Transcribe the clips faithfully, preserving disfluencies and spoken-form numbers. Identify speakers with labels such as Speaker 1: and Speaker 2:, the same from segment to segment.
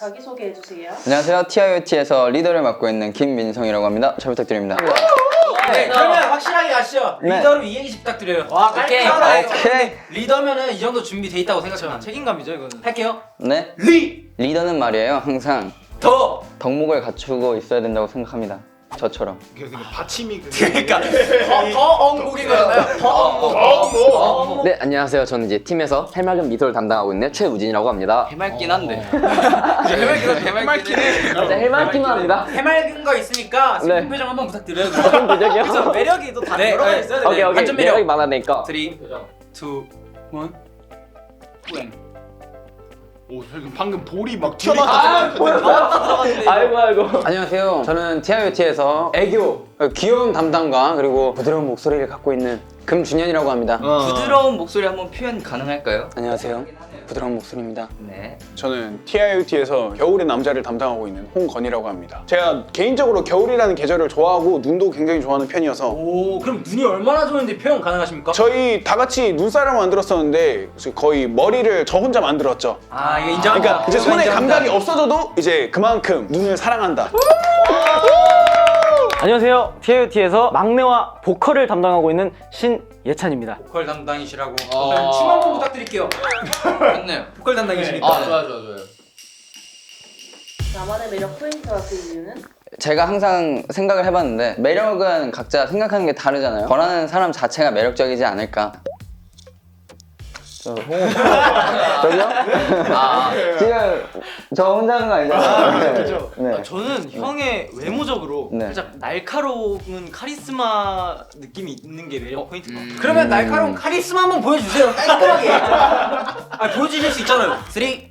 Speaker 1: 자기소개해주세요.
Speaker 2: 안녕하세요. 티아이오티에서 리더를 맡고 있는 김민성이라고 합니다. 잘 부탁드립니다.
Speaker 3: 네, 그러면 확실하게 가시죠.
Speaker 2: 네.
Speaker 3: 리더로 이행시 부탁드려요.
Speaker 4: 와,
Speaker 3: 오케이.
Speaker 4: 깔끔하다.
Speaker 2: 오케이.
Speaker 3: 리더면은 이 정도 준비돼 있다고 생각하면
Speaker 4: 책임감이죠, 이거는.
Speaker 3: 할게요.
Speaker 2: 네.
Speaker 3: 리!
Speaker 2: 리더는 말이에요. 항상
Speaker 3: 더!
Speaker 2: 덕목을 갖추고 있어야 된다고 생각합니다. 저처럼.
Speaker 4: 받침이
Speaker 3: 그러니까 더엉목인 거잖아요. 더엉목.
Speaker 5: 네, 안녕하세요. 저는 이제 팀에서 해맑은 미소를 담당하고 있는 최우진이라고 합니다.
Speaker 4: 해맑긴 한데.
Speaker 3: 해맑긴 해맑긴 해.
Speaker 5: 진짜 해맑기만 합니다.
Speaker 3: 해맑은 거 있으니까 슬픈
Speaker 5: 네.
Speaker 3: 표정 한번 부탁드려요.
Speaker 5: 무슨 표정이요?
Speaker 4: 그래서 매력이 또 다
Speaker 3: 네,
Speaker 4: 들어가
Speaker 3: 네.
Speaker 4: 있어야 돼.
Speaker 5: 오케이, 오케이.
Speaker 3: 반전 매력.
Speaker 5: 매력이 많아내니까.
Speaker 3: 삼, 이, 일. 뿌행.
Speaker 4: 오, 방금 볼이 막 튀어나왔다.
Speaker 5: 아이고, 아이고.
Speaker 2: 안녕하세요. 저는 티아이오티에서 애교, 귀여운 담당과 그리고 부드러운 목소리를 갖고 있는 금준현이라고 합니다.
Speaker 6: 부드러운 목소리 한번 표현 가능할까요?
Speaker 2: 안녕하세요. 부드러운 목소리입니다.
Speaker 6: 네.
Speaker 7: 저는 티아이오티에서 겨울의 남자를 담당하고 있는 홍건이라고 합니다. 제가 개인적으로 겨울이라는 계절을 좋아하고 눈도 굉장히 좋아하는 편이어서
Speaker 3: 오, 그럼 눈이 얼마나 좋은지 표현 가능하십니까?
Speaker 7: 저희 다 같이 눈사람을 만들었었는데 거의 머리를 저 혼자 만들었죠.
Speaker 3: 아, 이거 인정한다.
Speaker 7: 그러니까 이제 손에
Speaker 3: 인정한다.
Speaker 7: 감각이 없어져도 이제 그만큼 눈을 사랑한다.
Speaker 8: 안녕하세요. 티아이오티에서 막내와 보컬을 담당하고 있는 신예찬입니다.
Speaker 3: 보컬 담당이시라고.
Speaker 6: 어.
Speaker 3: 그럼 춤 한번 부탁드릴게요.
Speaker 6: 좋네요.
Speaker 3: 보컬 담당이시니까.
Speaker 6: 아, 좋아, 좋아, 좋아요.
Speaker 1: 나만의 매력 포인트와 그 이유는?
Speaker 2: 제가 항상 생각을 해봤는데 매력은 각자 생각하는 게 다르잖아요. 저라는 사람 자체가 매력적이지 않을까. 저 홍... 저기요?
Speaker 6: 아,
Speaker 2: 지금 저 혼자 하는 거 아니잖아요.
Speaker 4: 그죠.
Speaker 2: 네.
Speaker 4: 아, 저는 형의 외모적으로
Speaker 2: 네.
Speaker 4: 살짝 날카로운 카리스마 느낌이 있는 게 매력 포인트인 것 같아요.
Speaker 3: 그러면 날카로운 카리스마 한번 보여주세요. 깔끔하게. 아, 보여주실 수 있잖아요. 삼, 이, 일.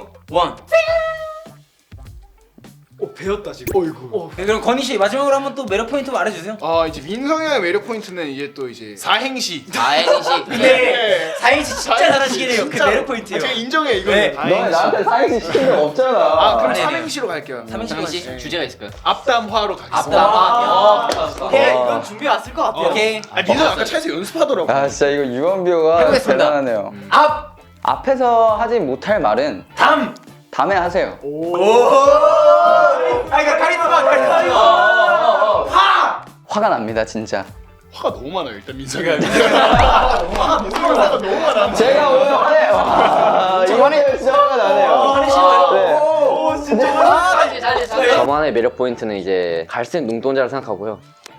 Speaker 4: 오, 배웠다 지금. 어이구.
Speaker 3: 네, 그럼 건희 씨 마지막으로 한번 또 매력 포인트 말해주세요.
Speaker 9: 아 이제 민성이 형의 매력 포인트는 이제 또 이제 사행시.
Speaker 6: 다행이시.
Speaker 3: 네. 사행시 진짜 잘하시긴 해요. 그
Speaker 9: 진짜로.
Speaker 3: 매력 포인트예요.
Speaker 9: 아, 제가 인정해 이거.
Speaker 3: 네.
Speaker 2: 너 나한테 사이즈 시킨 적 없잖아.
Speaker 9: 아 그럼
Speaker 3: 아니에요.
Speaker 9: 삼행시로 갈게요.
Speaker 6: 삼행시
Speaker 9: 네.
Speaker 6: 주제가 있을까요?
Speaker 9: 앞담화로 가겠습니다.
Speaker 3: 앞담화.
Speaker 4: 아, 오케이, 이건 준비 왔을 것 같아요.
Speaker 3: 오케이.
Speaker 9: 아 민성 아까 차에서 연습하더라고.
Speaker 2: 아 진짜 이거 유언비어가
Speaker 3: 해보겠습니다.
Speaker 2: 대단하네요.
Speaker 3: 앞,
Speaker 2: 앞에서 하지 못할 말은
Speaker 3: 담.
Speaker 2: 다음에 하세요.
Speaker 3: 오. 아, 이거 카리스마, 카리스마. 화.
Speaker 2: 화가 납니다 진짜.
Speaker 9: 화가 너무 많아요 일단 민성이가. 화가 너무 많아.
Speaker 2: 제가 오늘 화내. 와 이번에 진짜 화가 나네요. 네.
Speaker 3: 오, 진짜.
Speaker 6: 잘지, 잘지, 잘지.
Speaker 5: 저만의 매력 포인트는 이제 갈색 눈동자를 생각하고요.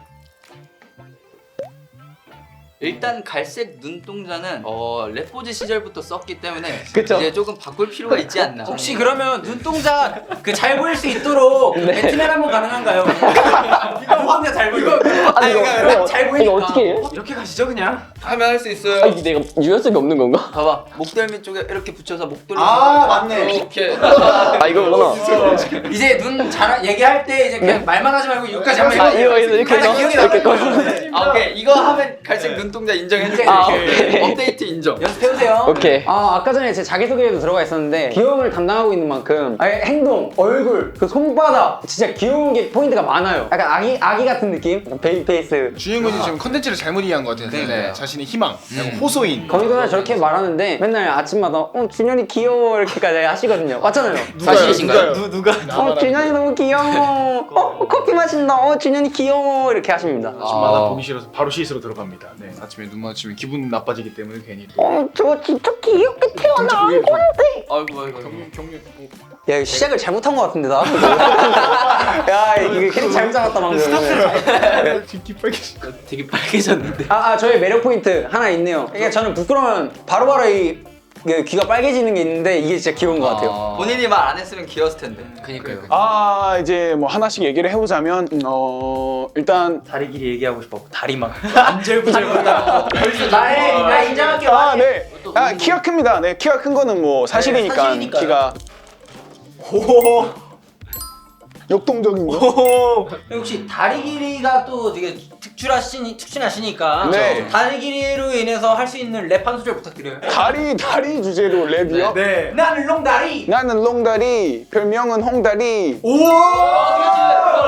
Speaker 6: 일단 갈색 눈동자는 어, 래포즈 시절부터 썼기 때문에
Speaker 2: 그쵸.
Speaker 6: 이제 조금 바꿀 필요가 있지 않나.
Speaker 3: 혹시 그러면 눈동자 그 잘 보일 수 있도록 배트맨 한번 가능한가요? 이거 혼자 잘 보이고. 아니
Speaker 5: 이거-
Speaker 3: 이거
Speaker 5: 이거-
Speaker 3: 잘 보이니까.
Speaker 5: 이거 어떻게 해요?
Speaker 4: 이렇게 가시죠 그냥.
Speaker 6: 하면 할 수
Speaker 5: 아,
Speaker 6: 있어요.
Speaker 5: 이게 내가 유연성이 없는 건가?
Speaker 6: 봐봐, 목덜미 쪽에 이렇게 붙여서 목도리.
Speaker 3: 아, 맞네.
Speaker 6: 이렇게.
Speaker 5: 아, 이거구나.
Speaker 3: 이제 눈 잘 얘기할 때 이제 그냥 말만 하지 말고 여기까지 한번
Speaker 5: 아,
Speaker 3: 해주세요.
Speaker 5: 이거 이거 이렇게
Speaker 3: 아니,
Speaker 5: 해서
Speaker 3: 기억이
Speaker 5: 이렇게
Speaker 3: 나요.
Speaker 5: 꺼서.
Speaker 6: 아, 오케이. 이거 하면 갈색 눈동자 인정해줄게.
Speaker 5: 아, 오케이.
Speaker 6: 업데이트 인정.
Speaker 3: 연습해보세요.
Speaker 5: 오케이.
Speaker 2: 아 아까 전에 제 자기소개에도 들어가 있었는데 귀여움을 담당하고 있는 만큼 아니, 행동, 얼굴, 그 손바닥 진짜 귀여운 게 포인트가 많아요. 약간 아기 아기 같은 느낌? 약간 베이비 페이스.
Speaker 9: 주인공이 지금 컨텐츠를 잘못 이해한 것 같아요.
Speaker 6: 네.
Speaker 9: 자신의 희망, 약간 호소인.
Speaker 2: 거기서 저렇게 말하는데 맨날 아침마다 어 준현이 귀여워 이렇게까지 하시거든요. 맞잖아요.
Speaker 6: 사실이신가요?
Speaker 9: 누가요? 누가?
Speaker 2: 어 준현이 너무 귀여워. 어 커피 마신다. 어 준현이 귀여워 이렇게 하십니다.
Speaker 9: 아침마다
Speaker 6: 아.
Speaker 9: 보기 싫어서 바로 씻으러 들어갑니다. 네. 아침에 눈 마주치면 기분 나빠지기 때문에 괜히 또.
Speaker 2: 어 저거 진짜 귀엽게 태어난
Speaker 9: 그게 좀-
Speaker 2: 건데.
Speaker 6: 아이고, 아이고.
Speaker 9: 경륜 경륜. 어.
Speaker 2: 야 이거 시작을 잘못한 것 같은데 나. 야 이거 캐릭 잘못 잡았다 방금.
Speaker 9: 뒷기 빨개지.
Speaker 6: 되게 빨개졌는데.
Speaker 2: 아, 아 저의 매력 포인트 하나 있네요. 이게 저는 부끄러우면 바로바로 이 이게 귀가 빨개지는 게 있는데 이게 진짜 귀여운 것 같아요.
Speaker 6: 본인이 말 안 했으면 귀여웠을 텐데. 그니까요.
Speaker 7: 아 이제 뭐 하나씩 얘기를 해보자면 음, 어 일단
Speaker 4: 다리 길이 얘기하고 싶어. 다리만.
Speaker 3: 안절부절하다. 나의 나 인정할게요.
Speaker 7: 아 네. 아 키가 큽니다. 네 키가 큰 거는 뭐 사실이니까
Speaker 3: 네, 사실이니까요.
Speaker 7: 키가. 역동적인 거.
Speaker 3: 혹시 다리 길이가 또 되게 특출하시니 특출하시니까
Speaker 7: 네.
Speaker 3: 다리 길이로 인해서 할 수 있는 랩 한 소절 부탁드려요.
Speaker 7: 다리 다리 주제로 랩이요?
Speaker 3: 네. 나는 롱다리.
Speaker 7: 나는 롱다리, 별명은 홍다리.
Speaker 3: 오.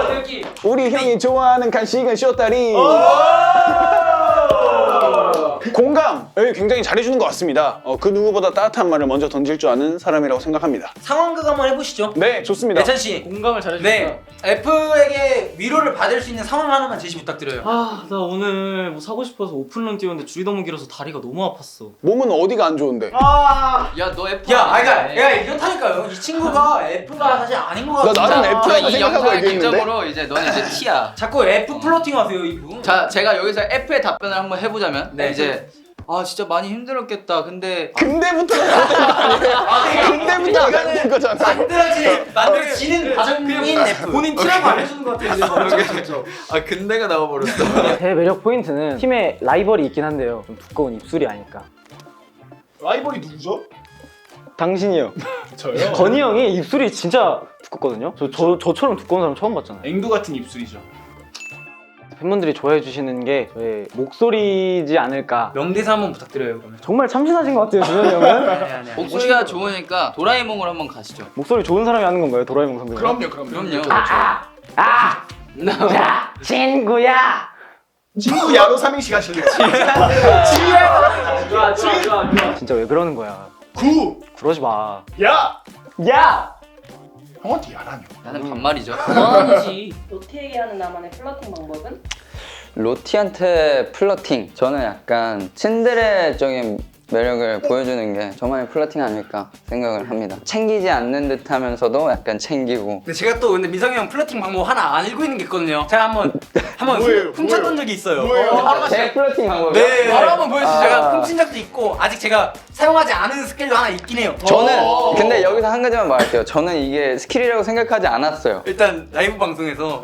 Speaker 7: 우리 형이 좋아하는 간식은 쇼다리. 공감을 굉장히 잘해주는 것 같습니다. 어, 그 누구보다 따뜻한 말을 먼저 던질 줄 아는 사람이라고 생각합니다.
Speaker 3: 상황극 한번 해보시죠.
Speaker 7: 네, 좋습니다.
Speaker 3: 예찬 씨.
Speaker 4: 공감을 잘해주니까.
Speaker 3: 네. F에게 위로를 받을 수 있는 상황 하나만 제시 부탁드려요.
Speaker 4: 아, 나 오늘 뭐 사고 싶어서 오픈런 뛰었는데 줄이 너무 길어서 다리가 너무 아팠어.
Speaker 7: 몸은 어디가 안 좋은데?
Speaker 6: 야 너 F
Speaker 3: 야, 아, 그러니까,
Speaker 6: 아니네.
Speaker 3: 야, 이렇다니까요. 이 친구가 F가 사실 아닌 것
Speaker 7: 나
Speaker 3: 같아.
Speaker 7: 나는
Speaker 6: 자,
Speaker 7: F라고
Speaker 6: 이
Speaker 7: 생각하고
Speaker 6: 영상의
Speaker 7: 얘기했는데.
Speaker 6: 기점으로 이제 너는 이제 T야.
Speaker 3: 자꾸 F 플로팅 하세요, 이분.
Speaker 6: 자, 제가 여기서 F의 답변을 한번 해보자면
Speaker 3: 네.
Speaker 6: 이제 아 진짜 많이 힘들었겠다. 근데
Speaker 7: 근데부터 잘못된 거 아니에요? 근데부터 잘못된 거잖아.
Speaker 3: 만들어지, 만들어지는 과정인 F.
Speaker 4: 본인 티라고 안 해주는 것 같아. 이제 막.
Speaker 6: 아 근데가 나와버렸어.
Speaker 8: 제 매력 포인트는 팀에 라이벌이 있긴 한데요. 좀 두꺼운 입술이 아닐까.
Speaker 9: 라이벌이 누구죠?
Speaker 8: 당신이요.
Speaker 9: 저요?
Speaker 8: 건희 형이 입술이 진짜 두껍거든요. 저, 저 저처럼 두꺼운 사람 처음 봤잖아요.
Speaker 9: 앵두 같은 입술이죠.
Speaker 8: 팬분들이 좋아해 주시는 게 저의 목소리지 않을까.
Speaker 3: 명대사 한번 부탁드려요, 그러면.
Speaker 8: 정말 참신하신 것 같아요, 준현이 형은.
Speaker 3: 아니, 아니, 아니.
Speaker 6: 목소리가 좋으니까 도라에몽을 한번 가시죠.
Speaker 8: 목소리 좋은 사람이 하는 건가요, 도라에몽 선배님?
Speaker 9: 그럼요, 그럼요.
Speaker 6: 그럼요.
Speaker 8: 아, 야, 친구야.
Speaker 9: 친구 야로 삼행시 가실래요?
Speaker 4: 좋아, 좋아, 좋아, 좋아.
Speaker 8: 진짜 왜 그러는 거야?
Speaker 9: 구!
Speaker 8: 그러지 마.
Speaker 9: 야!
Speaker 8: 야!
Speaker 9: 형한테 야라뇨.
Speaker 6: 나는 반말이죠.
Speaker 3: 아니지.
Speaker 1: 로티에게 하는 나만의 플러팅 방법은?
Speaker 2: 로티한테 플러팅. 저는 약간 츤데레적인 매력을 보여주는 게 저만의 플러팅 아닐까 생각을 합니다. 챙기지 않는 듯 하면서도 약간 챙기고.
Speaker 3: 근데 제가 또 근데 민성이 형 플러팅 방법 하나 안 알고 있는 게 있거든요. 제가 한번 한번
Speaker 9: 뭐예요?
Speaker 3: 훔쳤던
Speaker 9: 뭐예요?
Speaker 3: 적이 있어요.
Speaker 9: 뭐예요?
Speaker 2: 제 플러팅 방법이요?
Speaker 3: 네, 바로 한번 보여주세요.
Speaker 2: 아.
Speaker 3: 제가 훔친 적도 있고 아직 제가 사용하지 않은 스킬도 하나 있긴 해요.
Speaker 2: 저는
Speaker 9: 어.
Speaker 2: 근데 여기서 한 가지만 말할게요. 저는 이게 스킬이라고 생각하지 않았어요.
Speaker 3: 일단 라이브 방송에서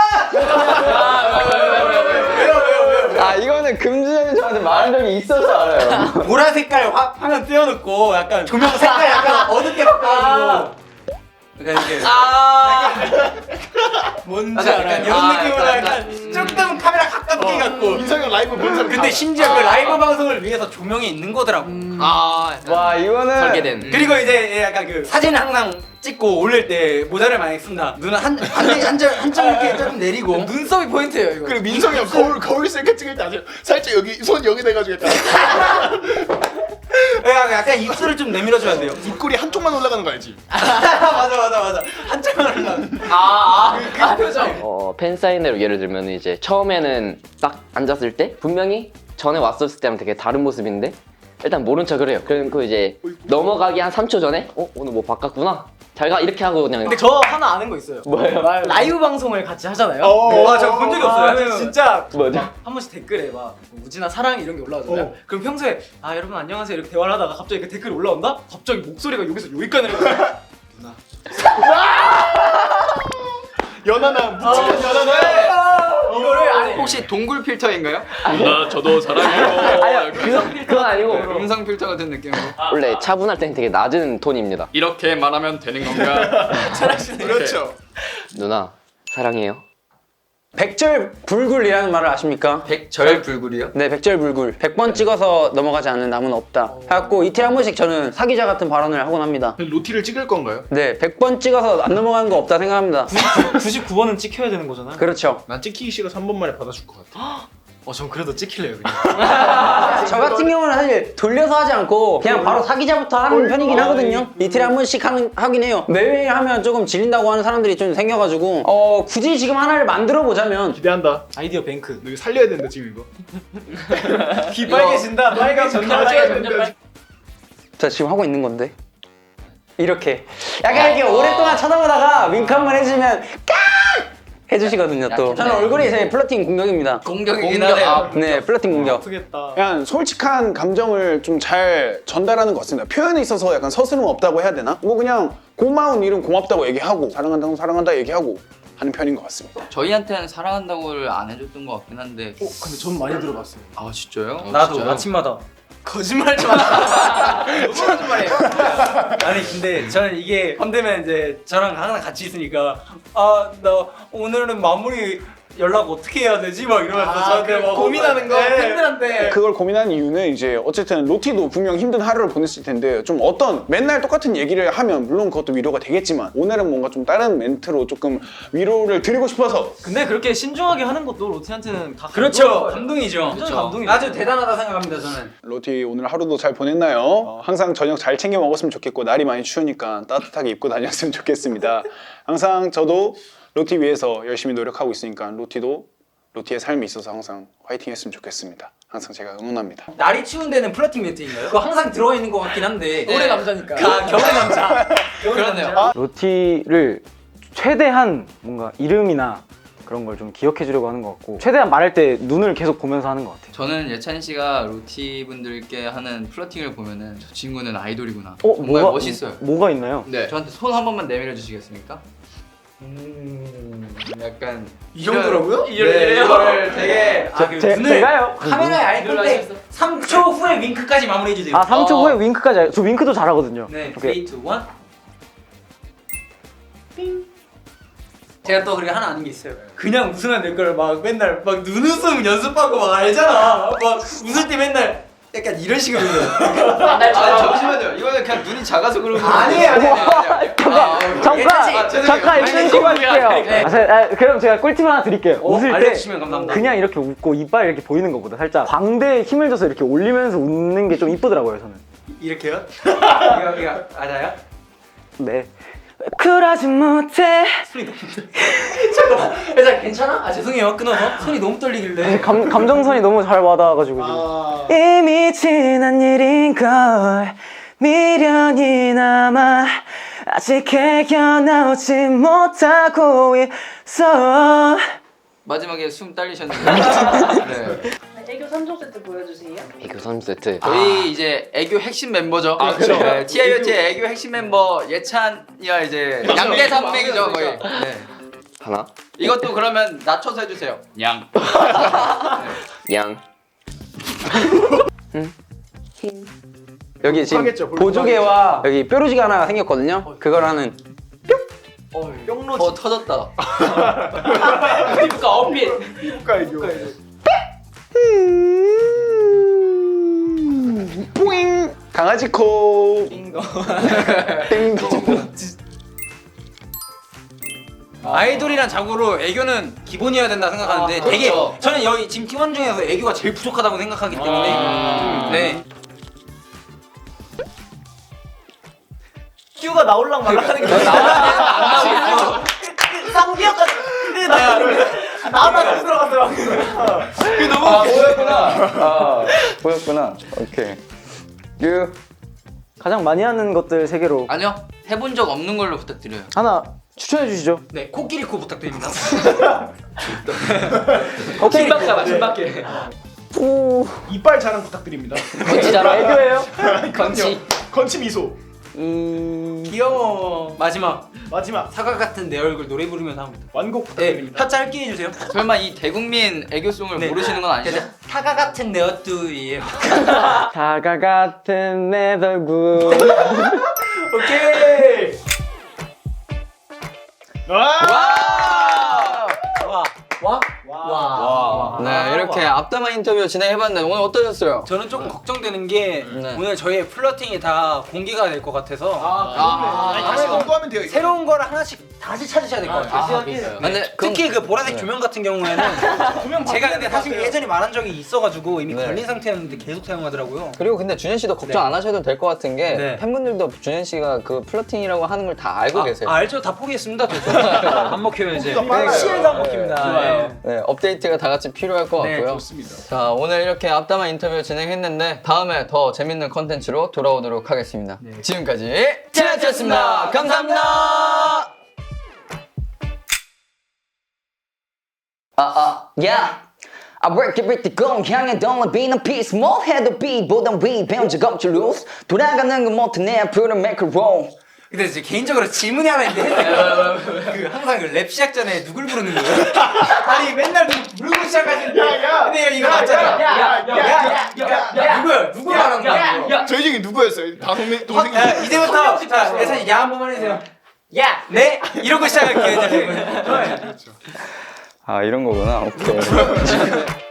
Speaker 2: 아 이거는 금주현이 저한테 말한 적이 있어서 알아요.
Speaker 3: 보라 색깔 화, 화면 띄워놓고 약간 조명 색깔 약간 어둡게 바꿔가지고 약간 이렇게 뭔지
Speaker 6: 약간,
Speaker 3: 알아?
Speaker 6: 약간,
Speaker 3: 이런
Speaker 6: 아,
Speaker 3: 느낌으로
Speaker 6: 약간,
Speaker 3: 약간 조금 카메라 가깝게 갖고
Speaker 9: 민성이 형 라이브 본 사람
Speaker 3: 근데
Speaker 9: 다-
Speaker 3: 심지어 그 라이브 방송을 위해서 조명이 있는 거더라고.
Speaker 6: 아
Speaker 2: 와 이거는
Speaker 5: 설계된.
Speaker 3: 그리고 이제 약간 그 사진 항상 찍고 올릴 때 모자를 많이 쓴다. 눈은 한한점 이렇게 조금 내리고
Speaker 4: 눈썹이 포인트예요, 이거.
Speaker 9: 그리고 민성이 형 거울 거울 셀카 찍을 때 아세요? 살짝 여기 손 여기 대가지고 약간
Speaker 3: 약간, 약간 입술을 좀 내밀어줘야 돼요.
Speaker 9: 입꼬리 한쪽만 올라가는 거 알지?
Speaker 3: 맞아 맞아 맞아 한참을 올라.
Speaker 5: 아아 그 표정. 어 팬사인회로 예를 들면 이제 처음에는 딱 앉았을 때 분명히 전에 왔었을 때랑 되게 다른 모습인데 일단 모른 척을 해요. 그리고 이제 넘어가기 한 삼 초 전에 어 오늘 뭐 바꿨구나. 잘 가 이렇게 하고 그냥.
Speaker 4: 근데 저 하나 아는 거 있어요.
Speaker 5: 뭐예요?
Speaker 4: 라이브 방송을 같이 하잖아요.
Speaker 9: 어.
Speaker 3: 아, 저 본 적이 없어요.
Speaker 4: 아, 저 진짜
Speaker 5: 뭐죠?
Speaker 4: 한 번씩 댓글에 막 우진아 사랑 이런 게 올라오잖아요. 그럼 평소에 아 여러분 안녕하세요 이렇게 대화를 하다가 갑자기 그 댓글이 올라온다? 갑자기 목소리가 여기서 여기까지 내려가요.
Speaker 9: 연하나 묻히는 연하나.
Speaker 4: 이거를 아니
Speaker 6: 혹시 동굴 필터인가요?
Speaker 9: 나 저도 사랑해요.
Speaker 5: 아니요 그, 그건 아니고
Speaker 6: 음성 필터 같은 느낌으로.
Speaker 5: 원래 차분할 때는 되게 낮은 톤입니다.
Speaker 6: 이렇게 말하면 되는 건가?
Speaker 9: 그렇죠.
Speaker 5: 누나 사랑해요.
Speaker 2: 백절불굴이라는 말을 아십니까?
Speaker 6: 백절불굴이요?
Speaker 2: 네, 백절불굴. 백 번 찍어서 넘어가지 않는 나무는 없다. 해갖고 이틀에 한 번씩 저는 사기자 같은 발언을 하곤 합니다.
Speaker 9: 로티를 찍을 건가요?
Speaker 2: 네, 백 번 찍어서 안 넘어가는 거 없다 생각합니다.
Speaker 4: 구십구 번은 찍혀야 되는 거잖아요.
Speaker 2: 그렇죠.
Speaker 9: 난 찍히기 싫어 삼 번 만에 받아줄 것 같아.
Speaker 4: 어, 전 그래도 찍힐래요 그냥.
Speaker 2: 저 같은 경우는 사실 돌려서 하지 않고 그냥 바로 사기자부터 하는 편이긴 하거든요. 이틀에 한 번씩 하는, 하긴 해요. 매일 하면 조금 질린다고 하는 사람들이 좀 생겨가지고 어 굳이 지금 하나를 만들어 보자면
Speaker 9: 기대한다.
Speaker 4: 아이디어 뱅크.
Speaker 9: 너 이거 살려야 된다 지금 이거.
Speaker 4: 귀 빨개진다. 빨개진다.
Speaker 9: 빨개진다.
Speaker 2: 자 지금 하고 있는 건데 이렇게 약간 이렇게 오랫동안 쳐다보다가 윙크 한 번 해주면 깍 해주시거든요 또. 저는 얼굴이 제 플러팅 공격입니다.
Speaker 6: 공격이긴 공격, 하네요. 아,
Speaker 2: 네, 플러팅 공격.
Speaker 4: 아프겠다.
Speaker 7: 약간 솔직한 감정을 좀 잘 전달하는 것 같습니다. 표현에 있어서 약간 서스름 없다고 해야 되나? 뭐 그냥 고마운 일은 고맙다고 얘기하고 사랑한다고 사랑한다 얘기하고 하는 편인 것 같습니다.
Speaker 6: 저희한테는 사랑한다고를 안 해줬던 것 같긴 한데.
Speaker 4: 어, 근데 전 많이 들어봤어요.
Speaker 6: 아 진짜요?
Speaker 3: 나도
Speaker 6: 진짜요?
Speaker 3: 아침마다 거짓말 좀 하지. 너무 거짓말해요. 아니 근데 저는 이게 헌되면 이제 저랑 항상 같이 있으니까 아 나 오늘은 마무리 연락 어떻게 해야 되지? 막 이러면서 저한테 막
Speaker 4: 고민하는 거
Speaker 3: 네.
Speaker 4: 팬들한테.
Speaker 7: 그걸 고민하는 이유는 이제 어쨌든 로티도 분명 힘든 하루를 보냈을 텐데 좀 어떤 맨날 똑같은 얘기를 하면 물론 그것도 위로가 되겠지만 오늘은 뭔가 좀 다른 멘트로 조금 위로를 드리고 싶어서
Speaker 4: 근데 그렇게 신중하게 하는 것도 로티한테는 다
Speaker 3: 그렇죠. 감동이죠.
Speaker 4: 완전 감동이죠.
Speaker 3: 아주 대단하다 생각합니다 저는.
Speaker 7: 로티 오늘 하루도 잘 보냈나요? 어, 항상 저녁 잘 챙겨 먹었으면 좋겠고 날이 많이 추우니까 따뜻하게 입고 다녔으면 좋겠습니다. 항상 저도 로티 위해서 열심히 노력하고 있으니까 로티도 로티의 삶이 있어서 항상 화이팅 했으면 좋겠습니다. 항상 제가 응원합니다.
Speaker 3: 날이 추운 데는 플러팅 멘트인가요? 그거 항상 들어가 있는 것 같긴 한데.
Speaker 4: 올해 남자니까.
Speaker 3: 아, 겨울의 남자.
Speaker 6: 그렇네요.
Speaker 8: 로티를 최대한 뭔가 이름이나 그런 걸 좀 기억해 주려고 하는 것 같고 최대한 말할 때 눈을 계속 보면서 하는 것 같아요.
Speaker 6: 저는 예찬 씨가 로티 분들께 하는 플러팅을 보면은 저 친구는 아이돌이구나.
Speaker 8: 어,
Speaker 6: 정말
Speaker 8: 뭐가,
Speaker 6: 멋있어요.
Speaker 8: 뭐가 있나요?
Speaker 6: 네. 저한테 손 한 번만 내밀어 주시겠습니까? 음, 약간
Speaker 4: 이 정도라고요?
Speaker 6: 네, 이걸 되게
Speaker 3: 아, 그
Speaker 8: 제,
Speaker 3: 눈을
Speaker 8: 제가요?
Speaker 3: 카메라에 알 건데 삼 초 후에 윙크까지 마무리해 주세요.
Speaker 8: 아 삼 초
Speaker 6: 어.
Speaker 8: 후에 윙크까지 알- 저 윙크도 잘하거든요.
Speaker 3: 네,
Speaker 8: 오케이.
Speaker 3: 삼, 이, 일. 제가 또 그렇게 하나 아는 게 있어요. 그냥 웃으면 될 걸 막 맨날 막 눈웃음 연습하고 막 알잖아. 막 웃을 때 맨날 약간 이런 식으로.
Speaker 6: 아, 잠시만요. 이거는 그냥 눈이 작아서 그런 거
Speaker 3: 아니에요, 아니에요.
Speaker 8: 잠깐!
Speaker 6: 아, 죄송해요.
Speaker 8: 잠깐
Speaker 6: 아니,
Speaker 8: 있는
Speaker 6: 지금
Speaker 8: 거 할게요.
Speaker 3: 네.
Speaker 8: 아, 제- 아, 그럼 제가 꿀팁 하나 드릴게요.
Speaker 3: 어,
Speaker 8: 웃을 때
Speaker 3: 알려주시면 감사합니다.
Speaker 8: 그냥 이렇게 웃고 이빨 이렇게 보이는 것보다 살짝 광대에 힘을 줘서 이렇게 올리면서 웃는 게 좀 이쁘더라고요, 저는.
Speaker 3: 이렇게요? 이거 이거 맞아요?
Speaker 8: 네. 쿨하지 못해.
Speaker 3: 잠깐만. 회사 괜찮아? 아 죄송해요. 끊어서 손이 너무 떨리길래.
Speaker 8: 감, 감정선이 너무 잘 와닿아가지고 지금. 이미 지난 일인걸 미련이 남아 아직 헤어나오지 못하고 있어.
Speaker 6: 마지막에 숨 딸리셨는데. 네.
Speaker 1: 애교 삼 종 세트 보여주세요.
Speaker 5: 이거 삼 세트.
Speaker 6: 저희 이제 애교 핵심 멤버죠. 아,
Speaker 9: 그렇죠.
Speaker 6: 네, 티아이오티의 애교 핵심 멤버 예찬이야 이제 양대 산맥이죠 거의. 네.
Speaker 5: 하나,
Speaker 6: 이것도 그러면 낮춰서 해주세요. 양.
Speaker 5: 양.
Speaker 2: 여기 지금
Speaker 9: 하겠죠,
Speaker 2: 보조개와 여기 뾰루지가 하나 생겼거든요. 그걸 하는
Speaker 4: 뿅로지.
Speaker 6: 어 터졌다.
Speaker 3: 피부과 어필.
Speaker 9: 피부과 애교.
Speaker 7: 뿌잉 강아지 코
Speaker 3: 띵동.
Speaker 7: 띵동
Speaker 3: 아이돌이란 자고로 애교는 기본이어야 된다 생각하는데
Speaker 6: 아,
Speaker 3: 되게
Speaker 6: 그렇죠.
Speaker 3: 저는 여기 지금 팀원 중에서 애교가 제일 부족하다고 생각하기 때문에
Speaker 6: 아.
Speaker 3: 네.
Speaker 4: 큐가 나올랑 말랑하는 게
Speaker 3: 나와야 되는
Speaker 4: 쌍기역까지 나오다 다시 들어갔더라고.
Speaker 6: 그 너무 아, 보였구나.
Speaker 2: 보였구나. 오케이. 유.
Speaker 8: 가장 많이 하는 것들 세 개로
Speaker 6: 아니요 해본 적 없는 걸로 부탁드려요.
Speaker 8: 하나 추천해 주시죠.
Speaker 3: 네, 코끼리 코 부탁드립니다.
Speaker 8: 오케이.
Speaker 3: 신박하다, 신박해.
Speaker 8: 오.
Speaker 9: 이빨 자랑 부탁드립니다.
Speaker 5: 건치 잘하.
Speaker 8: 애교예요?
Speaker 6: 건치.
Speaker 9: 건치 미소.
Speaker 3: 귀여워. 마지막
Speaker 9: 마지막
Speaker 3: 사과 같은 내 얼굴 노래 부르면서 합니다.
Speaker 9: 완곡
Speaker 3: 네,
Speaker 9: 부탁드립니다.
Speaker 3: 혀 짧게 해주세요.
Speaker 6: 설마 이 대국민 애교송을
Speaker 3: 네.
Speaker 6: 모르시는 건 아니죠?
Speaker 3: 사과 같은 내 얼굴이에요.
Speaker 8: 사과 같은 내 얼굴.
Speaker 3: 오케이.
Speaker 9: 와!
Speaker 3: 와, 와, 와.
Speaker 6: 네 이렇게 앞담화 인터뷰 진행해봤는데 오늘 어떠셨어요?
Speaker 3: 저는 조금 걱정되는 게
Speaker 6: 네.
Speaker 3: 오늘 저희의 플러팅이 다 공개가 될 것 같아서
Speaker 6: 아,
Speaker 9: 아니, 다시 검토하면 돼요. 이거.
Speaker 3: 새로운 거를 하나씩 다시 찾으셔야 될 것 같아요.
Speaker 6: 아, 그래요?
Speaker 3: 네.
Speaker 6: 근데 그럼-
Speaker 3: 특히 그 보라색 조명 같은 경우에는 제가 근데 사실 예전에 말한 적이 있어가지고 이미
Speaker 6: 네.
Speaker 3: 걸린 상태였는데 계속 사용하더라고요.
Speaker 6: 그리고 근데 준현 씨도 걱정 안 하셔도 될 것 같은 게
Speaker 3: 네.
Speaker 6: 팬분들도 준현 씨가 그 플러팅이라고 하는 걸 다 알고 계세요.
Speaker 3: 아, 알죠? 다 포기했습니다. 안 먹혀요 이제.
Speaker 9: 빨라요.
Speaker 3: 시에도 안 먹힙니다.
Speaker 9: 좋아요.
Speaker 3: 네.
Speaker 6: 네, 업데이트가 다 같이 필요할 것
Speaker 3: 네,
Speaker 6: 같고요.
Speaker 9: 좋습니다.
Speaker 6: 자, 오늘 이렇게 앞담화 인터뷰 진행했는데 다음에 더 재밌는 컨텐츠로 돌아오도록 하겠습니다. 지금까지 티나티였습니다. 감사합니다.
Speaker 2: 아, 아, yeah. I work it with the gun 향해 don't be no peace 뭐 해도 B보단 위 배운 적 없지 lose 돌아가는 건 못해 내 앞으로 make it roll
Speaker 3: 근데 이제 개인적으로 질문이 하나 있는데 그 항상 그 랩 시작 전에 누굴 부르는 거예요? 아니 맨날 누- 부르고 시작하시는데
Speaker 9: 야,
Speaker 3: 근데 이거 맞잖아. 야야야야야 누구야? 누구 말하는 거야? 야,
Speaker 9: 저희 중에 누구였어요? 다 동생 동생이.
Speaker 3: 야, 이제부터 자 예찬이 야 한 번만 해주세요. 야, 네 이러고 시작할게요. 이제.
Speaker 6: 아 이런 거구나. 오케이.